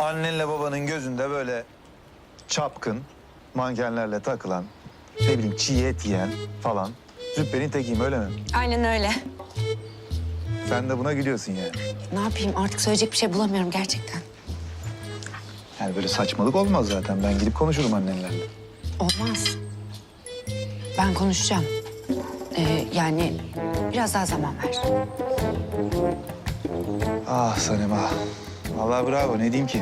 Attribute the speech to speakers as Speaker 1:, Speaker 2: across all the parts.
Speaker 1: annenle babanın gözünde böyle çapkın, mankenlerle takılan, ne bileyim çiğ et yiyen falan züppenin tekiyim, öyle mi?
Speaker 2: Aynen öyle.
Speaker 1: Sen de buna gülüyorsun yani.
Speaker 2: Ne yapayım, artık söyleyecek bir şey bulamıyorum gerçekten.
Speaker 1: Yani böyle saçmalık olmaz zaten. Ben gidip konuşurum annenlerle.
Speaker 2: Olmaz. Ben konuşacağım. Yani biraz daha zaman ver.
Speaker 1: Ah Sanem ah. Vallahi bravo, ne diyeyim ki?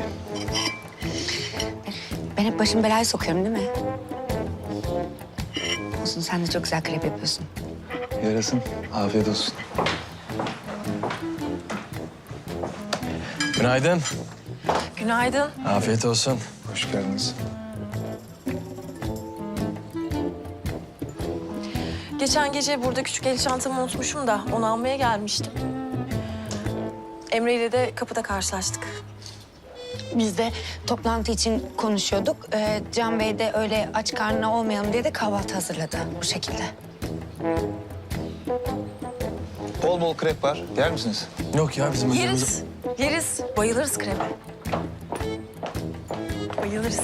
Speaker 2: Ben hep başım belaya sokuyorum değil mi? Olsun, sen de çok güzel krep yapıyorsun.
Speaker 1: Yarasın, afiyet olsun.
Speaker 3: Günaydın.
Speaker 4: Günaydın.
Speaker 3: Afiyet olsun.
Speaker 1: Hoş geldiniz.
Speaker 4: Geçen gece burada küçük el çantamı unutmuşum da onu almaya gelmiştim. Emre ile de kapıda karşılaştık.
Speaker 2: Biz de toplantı için konuşuyorduk. Can Bey de öyle aç karnına olmayalım diye de kahvaltı hazırladı bu şekilde.
Speaker 1: Bol bol krep var. Yer misiniz?
Speaker 3: Yok ya bizim
Speaker 4: Yeriz. Yeriz. Bayılırız krebe. Bayılırız.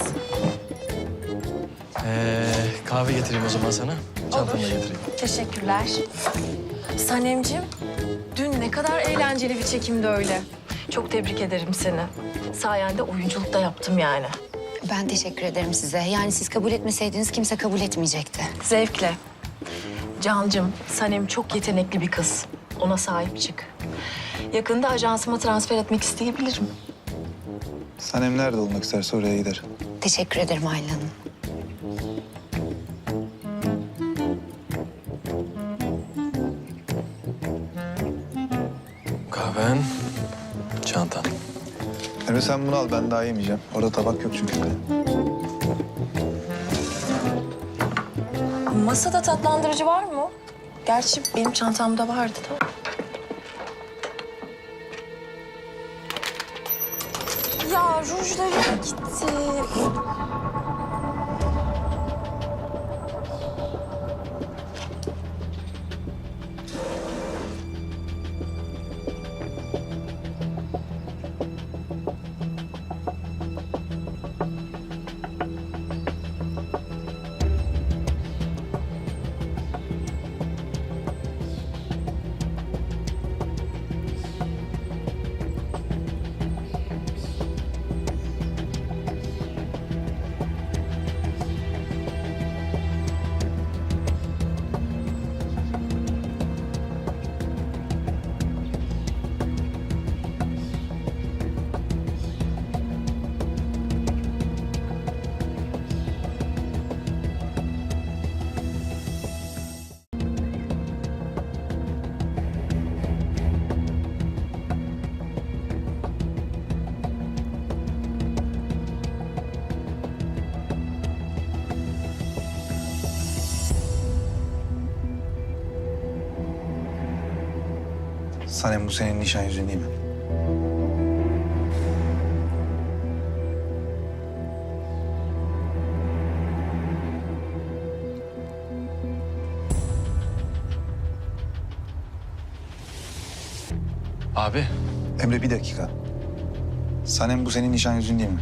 Speaker 3: Kahve getireyim o zaman sana. Çantamı da getireyim.
Speaker 4: Teşekkürler. Sanemciğim, dün ne kadar eğlenceli bir çekimdi öyle. Çok tebrik ederim seni. Sayende oyunculuk da yaptım yani.
Speaker 2: Ben teşekkür ederim size. Yani siz kabul etmeseydiniz kimse kabul etmeyecekti.
Speaker 4: Zevkle. Cancığım, Sanem çok yetenekli bir kız. Ona sahip çık. Yakında ajansıma transfer etmek isteyebilirim.
Speaker 1: Sanem nerede olmak isterse oraya gider.
Speaker 2: Teşekkür ederim Ayla Hanım.
Speaker 3: Kahven, çantan.
Speaker 1: Emre sen bunu al, ben daha yemeyeceğim. Orada tabak yok çünkü.
Speaker 4: Masada tatlandırıcı var mı? Gerçi benim çantamda vardı da. Ya rujlarım gitti.
Speaker 1: Sanem bu senin nişan yüzüğün değil mi?
Speaker 3: Abi,
Speaker 1: Emre bir dakika. Sanem bu senin nişan yüzüğün değil mi?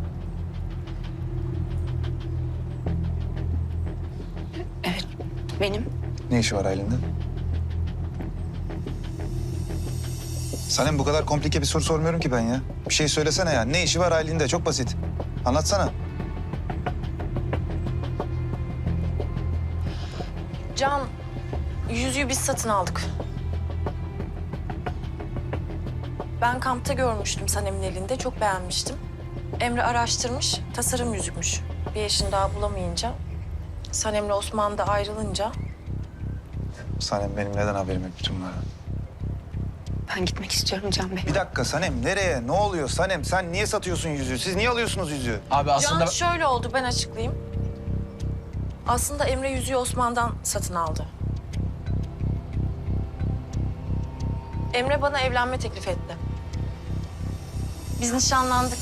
Speaker 2: Evet, benim.
Speaker 1: Ne işi var Aylin'de? Sanem bu kadar komplike bir soru sormuyorum ki ben ya. Bir şey söylesene ya. Ne işi var Aylin'de? Çok basit. Anlatsana.
Speaker 4: Can, yüzüğü biz satın aldık. Ben kampta görmüştüm Sanem'in elinde, çok beğenmiştim. Emre araştırmış, tasarım yüzükmüş. Bir eşini daha bulamayınca, Sanem'le Osman da ayrılınca...
Speaker 1: Sanem benim neden haberim yok bütün bunlara?
Speaker 2: Ben gitmek istiyorum Can Bey.
Speaker 1: Bir dakika Sanem, nereye? Ne oluyor Sanem? Sen niye satıyorsun yüzüğü? Siz niye alıyorsunuz yüzüğü?
Speaker 3: abi aslında...
Speaker 4: Can şöyle oldu, ben açıklayayım. Aslında Emre yüzüğü Osman'dan satın aldı. Emre bana evlenme teklif etti. Biz nişanlandık.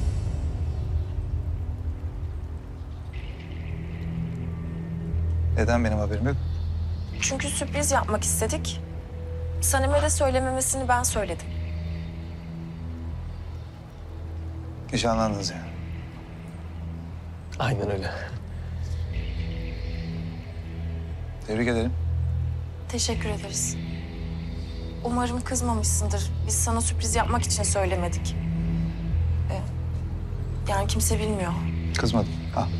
Speaker 1: Neden benim haberim yok?
Speaker 4: Çünkü sürpriz yapmak istedik. Sanem'e de söylememesini ben söyledim.
Speaker 1: Nişanlandınız yani.
Speaker 3: Aynen öyle.
Speaker 1: Tebrik ederim.
Speaker 4: Teşekkür ederiz. Umarım kızmamışsındır. Biz sana sürpriz yapmak için söylemedik. Yani kimse bilmiyor.
Speaker 1: Kızmadım. Ha.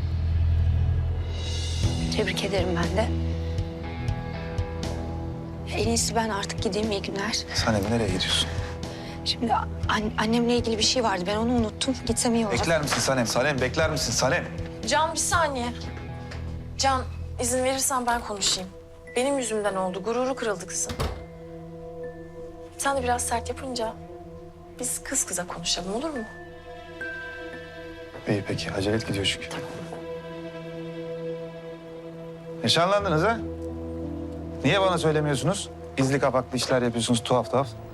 Speaker 2: Tebrik ederim ben de. En iyisi ben artık gideyim, iyi günler.
Speaker 1: Sanem nereye gidiyorsun?
Speaker 2: Şimdi annemle ilgili bir şey vardı, ben onu unuttum. Gitsem iyi olacak.
Speaker 1: Bekler misin Sanem? Sanem bekler misin Sanem?
Speaker 4: Can bir saniye. Can izin verirsen ben konuşayım. Benim yüzümden oldu. Gururu kırıldı kızın. Sen de biraz sert yapınca biz kız kıza konuşalım, olur mu?
Speaker 1: İyi peki. Acele et gidiyor çünkü. Nişanlandınız ha? Niye bana söylemiyorsunuz? Gizli kapaklı işler yapıyorsunuz tuhaf tuhaf.